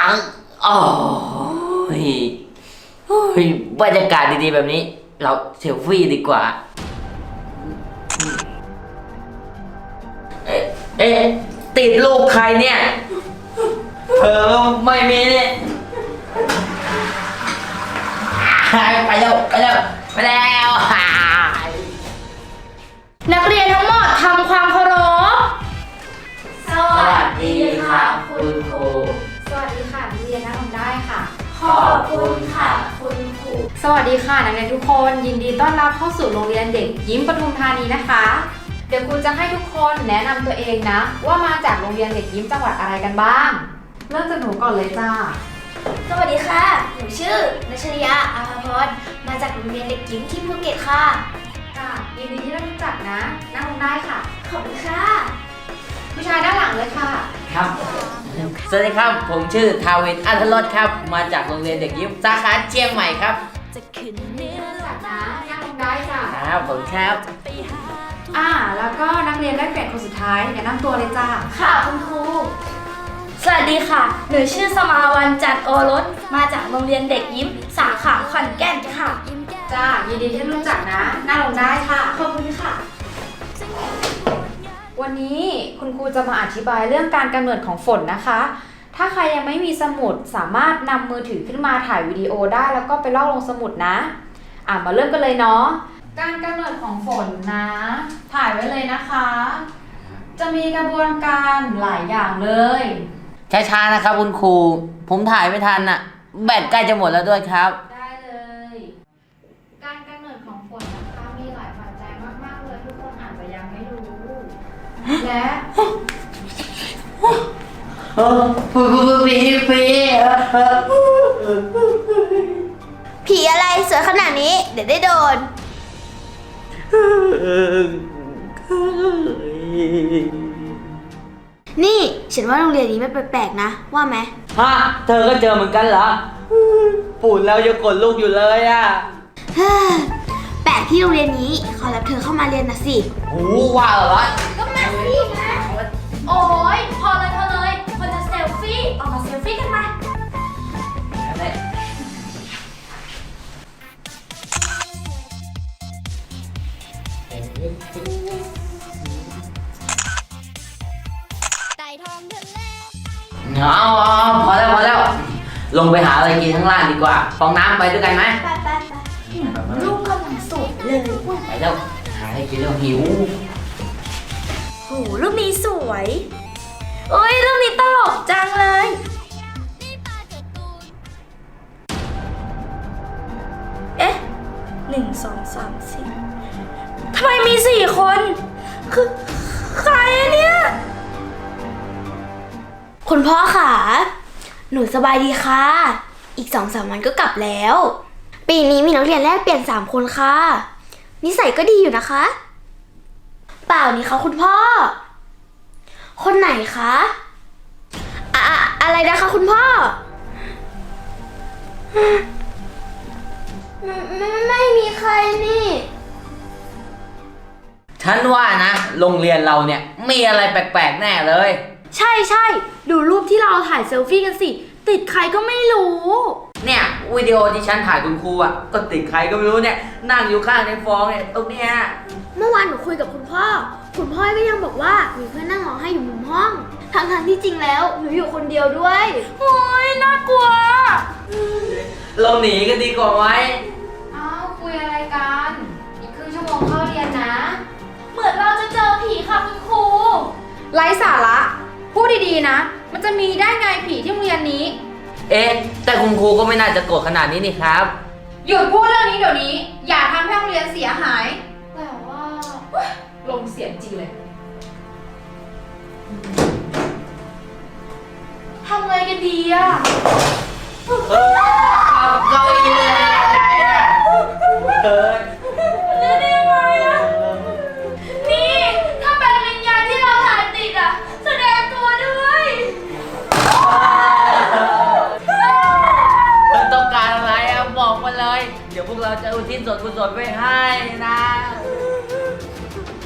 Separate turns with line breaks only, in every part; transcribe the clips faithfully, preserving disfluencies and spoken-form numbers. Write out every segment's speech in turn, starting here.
งโอ้ยโอ้ยบรรยากาศดีๆแบบนี้เราเซลฟี่ดีกว่าเอ๊ะเอ๊ะติดรูปใครเนี่ยเธอไม่มีเนี่ยไปแล้วไปแล้วไปแล้ว
นักเรียนทั้งหมดทำความเคารพ
สวัสดีค่ะคุณครู
สวัสดีค่ะนักเรียนนั่งลงได้ค่ะ
ขอบคุณค่ะคุณครู
สวัสดีค่ะนักเรียนทุกคนยินดีต้อนรับเข้าสู่โรงเรียนเด็กยิ้มปทุมธานีนะคะเดี๋ยวครูจะให้ทุกคนแนะนำตัวเองนะว่ามาจากโรงเรียนเด็กยิ้มจังหวัดอะไรกันบ้างเริ่มจากหนูก่อนเลยจ้า
สวัสดีค่ะหนูชื่อนัชริยาอาภาพรมาจากโรงเรียนเด็กยิ้มที่ภูเก็ตค่ะ
ค่ะยินดีที่ได้รู้จักนะนั่งลงได้ค่ะ
ขอบคุณค่ะ
ผู้ชายด้านหลังเลยค่ะ
ครับสวัสดีครับผมชื่อทาวินอัธรสครับมาจากโรงเรียนเด็กยิ้มสาขาเชียงใหม่ครับ
รู้จักนะนั่งลงได้ค่ะ
ครับผมครับ
อ่าแล้วก็นักเรียนได้เปลี่ยนคนสุดท้ายแนะนำตัวเลยจ้า
ค่ะคุณครูสวัสดีค่ะหนูชื่อสมาวันจันทร์โอรสมาจากโรงเรียนเด็กยิ้มสาขาขอนแก่นค่ะ
จ้ายินดีที่รู้จักนะนั่งลงได้ค่ะ
ขอบคุณค่ะ
วันนี้คุณครูจะมาอธิบายเรื่องการกำเนิดของฝนนะคะถ้าใครยังไม่มีสมุดสามารถนำมือถือขึ้นมาถ่ายวิดีโอได้แล้วก็ไปลอกลงสมุดนะอ่ะมาเริ่มกันเลยเนาะการกำเนิดของฝนนะถ่ายไว้เลยนะคะจะมีกระบวนการหลายอย่างเลย
ช้าๆนะครับคุณครูผมถ่ายไม่ทันอ่ะแบตใกล้จะหมดแล้วด้วยครับ
ได้เลยการกำเนิดของฝนนะคะมีหลายปัจจัยมากๆเลยทุกคนอาจจะยังไม่รู้และ
ผีผี
ผีอะไรสวยขนาดนี้เดี๋ยวได้โดนนี่ฉันว่าโรงเรียนนี้มันแปลกๆนะว่าไหม
ฮะเธอก็เจอเหมือนกันเหรอปู่แล้วยังกดลูกอยู่เลยอ่ะ
แปลกที่โรงเรียนนี้ขอรับเธอเข้ามาเรียนนะสิ
โอ้ว่าเหรอ
ก็มาสินะโอ้ยพอเลยพอเลยคนจะเซลฟี่ออกมาเซลฟี่กันมา
เอาพอแล้วพอแล้วลงไปหาอะไรกินข้างล่างดีกว่าฟองน้ำไปด้วยกันไหม
ไปไปไปลูกกำลังสวยเลย
ไปแล้วหาอะไรกินแล้วหิว
โหรูปนี้สวยโอ้ยรูปนี้ตลกจังเลยเอ๊ะหนึ่งสองสามสี่ทำไมมีสี่คนคือใครเนี่ยคุณพ่อค่ะหนูสบายดีค่ะอีกสองสามวันก็กลับแล้วปีนี้มีนักเรียนแลกเปลี่ยนสามคนค่ะนิสัยก็ดีอยู่นะคะเปล่านี่คะคุณพ่อคนไหนคะอะอะไรนะคะคุณพ่อไม่ไม่มีใครนี่
ฉันว่านะโรงเรียนเราเนี่ยมีอะไรแปลกๆแน่เลย
ใช่ใช่ดูรูปที่เราถ่ายเซลฟี่กันสิติดใครก็ไม่รู้
เนี่ยวิดีโอที่ฉันถ่ายคุณครูอ่ะก็ติดใครก็ไม่รู้เนี่ยนั่งอยู่ข้างในฟองเนี่ยตรงเนี้ย
เมื่อวานหนูคุยกับคุณพ่อคุณพ่อก็ยังบอกว่ามีเพื่อนนั่งร้องไห้อยู่มุมห้องทั้งทางที่จริงแล้วหนูอยู่คนเดียวด้วยโอ้ยน่ากลัว
เราหนีกันดีกว่าไหม
อ้าวคุยอะไรกันอีกครึ่งชั่วโมงเข้าเรียนนะ
เหมือนเราจะเจอผีค่ะคุณครู
ไร้สาระพูดดีๆนะมันจะมีได้ไงผีที่โรงเรียนนี้
เอ๊ะแต่คุณครูก็ไม่น่าจะโกรธขนาดนี้นี่ครับ
หยุดพูดเรื่องนี้เดี๋ยวนี้อย่าทำให้โรงเรียนเสียหายแต่ว่าลงเสียงจริงเลย
ทำไงกันดีอะ
เออเกาอีเลยไหนอะเฮ้ย
นี่ได้ยังไงอะนี่ถ้าเป็นวิญญาณที่เราถ่ายติดอะแสดงตัวด้วย
เธอต้องการอะไรอะบอกมาเลยเดี๋ยวพวกเราจะอุทิศส่วนกุศลไปให้นะ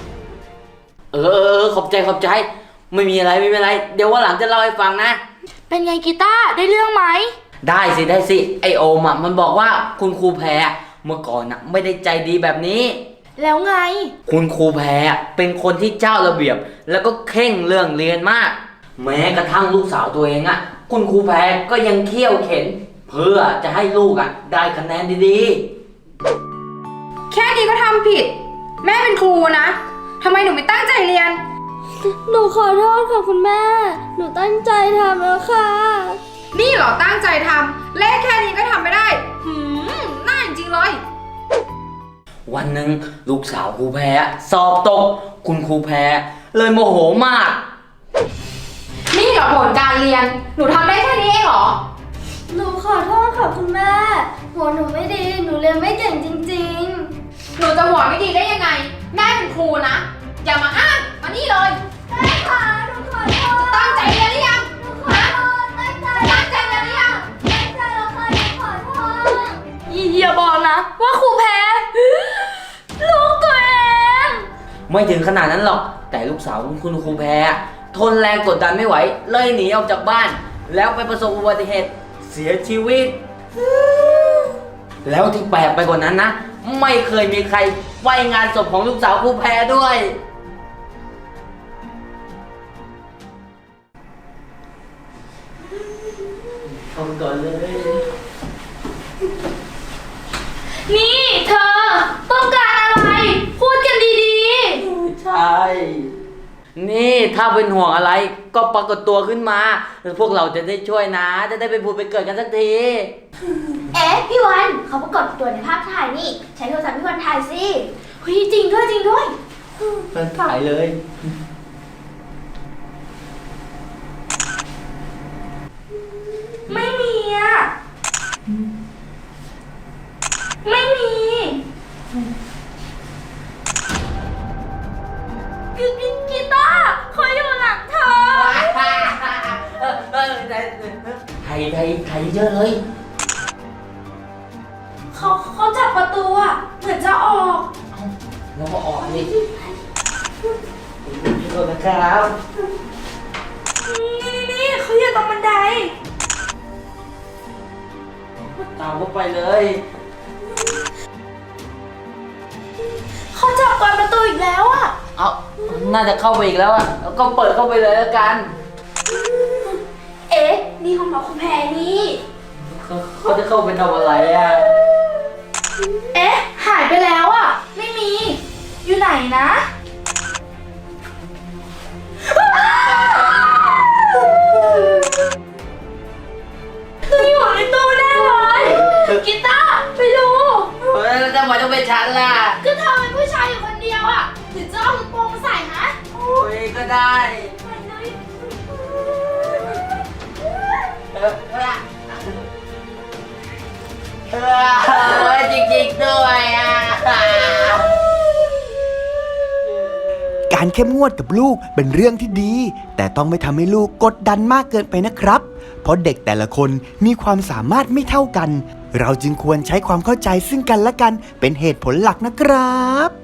เออขอบใจขอบใจไม่มีอะไรไม่มีอะไรเดี๋ยววันหลังจะเล่าให้ฟังนะ
ไปเป็นไงกีตาร์ได้เรื่องไหม
ได้สิได้สิไอโอมอ่ะมันบอกว่าคุณครูแพรเมื่อก่อนอ่ะไม่ได้ใจดีแบบนี้
แล้วไง
คุณครูแพรเป็นคนที่เจ้าระเบียบ แล้วก็เข่งเรื่องเรียนมาก แม้กระทั่งลูกสาวตัวเองอ่ะคุณครูแพรก็ยังเคี่ยวเข็น เพื่อจะให้ลูกอ่ะได้คะแนนดีๆ
แค่นี้ก็ทำผิด แม่เป็นครูนะทำไมหนูไม่ตั้งใจเรียน
หนูขอโทษค่ะคุณแม่ หนูตั้งใจทำแล้วค่ะ
นี่เหรอตั้งใจทำเลขแค่นี้ก็ทำไม่ได้หืมน่าจริงๆเลย
วันหนึ่งลูกสาวครูแพรสอบตก คุณครูแพรเลยโมโหมาก
นี่เหรอผลการเรียน หนูทำได้แค่นี้เองเหรอ
หนูขอโทษค่ะคุณแม่หัวหนูไม่ดี หนูเรียนไม่เก่งจริง
หนูจะหัวไม่ดีได้ยังไง แม่เป็นครูนะ อย่ามาอ้างมานี่เลย
ๆแม่ค่ะหนูขอโทษ
ตั้งใจเรียนหรือยัง
หนูขอโทษตั้งใจ
ตั้งใจเรียนหรือยัง
ตั้งใจแล้วค่ะหนูขอโทษอย่าบอกนะ ว่าครูแพ้ลูกตัวเอง
ไม่ถึงขนาดนั้นหรอก แต่ลูกสาวคุณครูแพรทนแรงกดดันไม่ไหว เลยหนีออกจากบ้าน แล้วไปประสบอุบัติเหตุเสียชีวิต แล้วที่แปลกไปกว่านั้นนะ ไม่เคยมีใครไปงานศพของลูกสาวครูแพรด้วยทำก่อนเลย
นี่เธอต้องการอะไร พูดกันดี
ใช่ นี่ถ้าเป็นห่วงอะไรก็ปรากฏตัวขึ้นมาพวกเราจะได้ช่วยนะ จะได้ไปพูดไปเกิดกันสักที
ๆ เอ๊ะพี่วันเขาปรากฏตัวในภาพถ่ายนี่ ใช้โทรศัพท์พี่วันถ่ายสิเฮ้ยจริงด้วยจริงด้วย
มันถ่ายเลย
ไม่มีอ่ะ ไม่มีกีกีตาร์เขาอยู่หลังเธอ
ไทยไทยไทยเยอะเลย
เขาเขาจับประตูอ่ะ เหมือนจะออก
แล้วก็ออกนี่ขอโทษนะครับ
นี่นี่เขาอยู่ตรงบันได
ตามเข้าไปเลย
เขาจับกวนประตูอีกแล้วอ่ะ
เอาน่าจะเข้าไปอีกแล้วอ่ะแล้วก็เปิดเข้าไปเลยแล้วกัน
เอ๊ะ นี่ของน้องคุณแพรนี่
เขาเขาจะเข้าไปทำอะไรอ่ะ
เอ๊ะ หายไปแล้วอ่ะ ไม่มี อยู่ไหนนะคืออยู่ในตู้แน่เลยกีตาร์ไปดู
เฮ้ยแล้วทำไมต้องเป็นฉันล่ะ
ก็เธอเป็นผู้ชายอยู่คนเดียวอ่ะหรือจะเอาลูกโป่งมาใส่ฮะ
โอ้ยก็ได้
ไปเลย
เออเออเออจริงๆด้วยอ่ะ
การเข้มงวดกับลูกเป็นเรื่องที่ดี แต่ต้องไม่ทำให้ลูกกดดันมากเกินไปนะครับ เพราะเด็กแต่ละคนมีความสามารถไม่เท่ากัน เราจึงควรใช้ความเข้าใจซึ่งกันและกันเป็นเหตุผลหลักนะครับ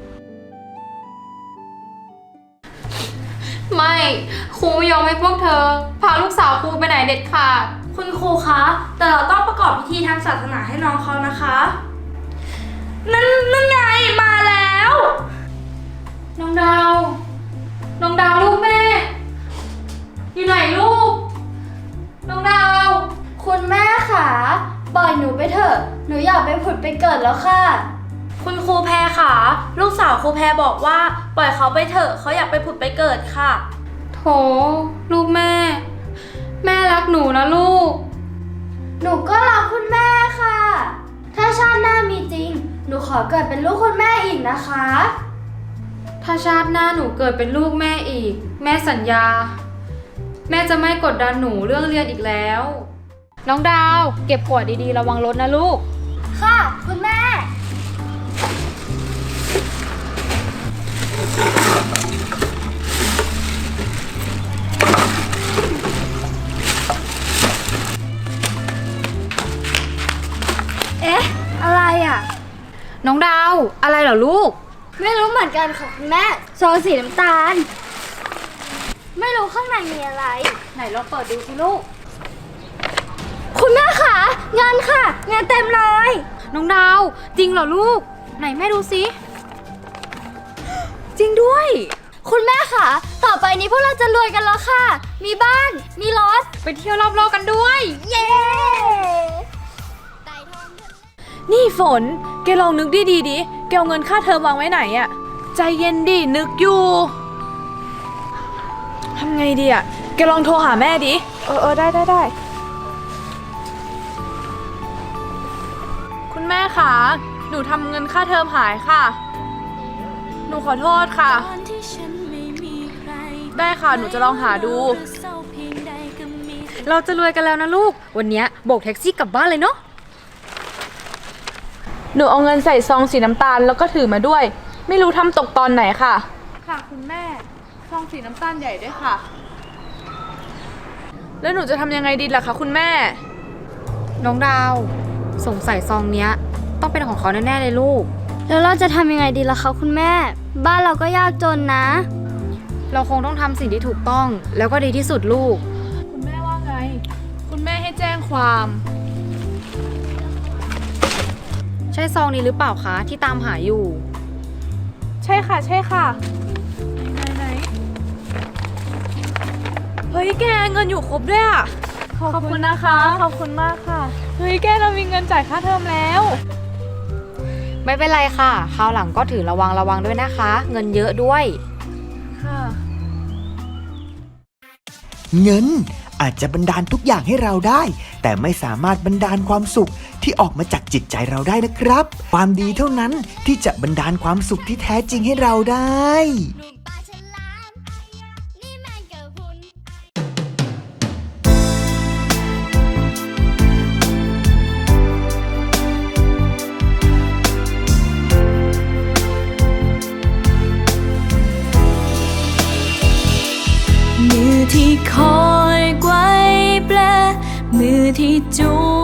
ไม่ครูไม่ยอมให้พวกเธอ พาลูกสาวครูไปไหนเด็ดขาด
คุณครูคะ แต่เราต้องประกอบพิธีทางศาสนาให้น้องเขานะคะ นั่นนั่นไงมาแล้ว
น้องดาว น้องดาวลูกแม่ อยู่ไหนลูก น้องดาว
คุณแม่ค่ะปล่อยหนูไปเถอะ หนูอยากไปผุดไปเกิดแล้วค่ะ คุณครูแพรค่ะ ลูกสาวครูแพรบอกว่า ปล่อยเขาไปเถอะเขาอยากไปผุดไปเกิดค่ะ
โถลูกแม่ แม่รักหนูนะลูก
หนูก็รักคุณแม่ค่ะ ถ้าชาติหน้ามีจริง หนูขอเกิดเป็นลูกคุณแม่อีกนะคะ
ถ้าชาติหน้าหนูเกิดเป็นลูกแม่อีก แม่สัญญา แม่จะไม่กดดันหนูเรื่องเรียนอีกแล้ว น้องดาว เก็บขวดดีๆระวังรถนะลูก
ค่ะ คุณแม่ เอ๊ะ อะไรอ่ะ
น้องดาว อะไรเหรอลูก
ไม่รู้เหมือนกันค่ะคุณแม่โซสีน้ำตาล ไม่รู้ข้างในมีอะไร
ไหนลองเปิดดูสิลูก
เงินค่ะเงินเต็มเลย
น้องดาวจริงเหรอลูก ไหนแม่ดูสิจริงด้วย
คุณแม่ค่ะ ต่อไปนี้พวกเราจะรวยกันแล้วค่ะ มีบ้าน มีรถ
ไปเที่ยวรอบโลกกันด้วย
เย้
นี่ฝน แกลองนึกดีดีดิ แกเอาเงินค่าเทอมวางไว้ไหนอะใจเย็นดิ นึกอยู่ ทำไงดีอะแกลองโทรหาแม่ดิ เออเออได้ได้ได้ คุณแม่คะ หนูทำเงินค่าเทอมหายค่ะ หนูขอโทษค่ะ ได้ค่ะ หนูจะลองหาดู
เราจะรวยกันแล้วนะลูก วันเนี้ยโบกแท็กซี่กลับบ้านเลยเนาะ
หนูเอาเงินใส่ซองสีน้ำตาลแล้วก็ถือมาด้วย ไม่รู้ทำตกตอนไหนค่ะ ค่ะคุณแม่ ซองสีน้ำตาลใหญ่ด้วยค่ะ แล้วหนูจะทำยังไงดีล่ะคะคุณแม่
น้องดาวสงสัยซองเนี้ยต้องเป็นของเขาแน่ๆเลยลูก
แล้วเราจะทำยังไงดีล่ะคะคุณแม่ บ้านเราก็ยากจนนะ
เราคงต้องทำสิ่งที่ถูกต้องแล้วก็ดีที่สุดลูก
คุณแม่ว่าไง คุณแม่ให้แจ้งความ
ใช่ซองนี้หรือเปล่าคะที่ตามหาอยู่
ใช่ค่ะใช่ค่ะ ไหนไหนเฮ้ยแกเงินอยู่ครบด้วยอ่ะ ขอบคุณนะคะ ขอบคุณมากค่ะ เฮ้ยแกเรามีเงินจ่ายค่าเทอมแล้ว
ไม่เป็นไรค่ะคราวหลังก็ถือระวังระวังด้วยนะคะ เงินเยอะด้วย
ค่ะ
เงินอาจจะบันดาลทุกอย่างให้เราได้ แต่ไม่สามารถบันดาลความสุขที่ออกมาจากจิตใจเราได้นะครับ ความดีเท่านั้นที่จะบันดาลความสุขที่แท้จริงให้เราได้
มือที่คอยไกวแปล มือที่จู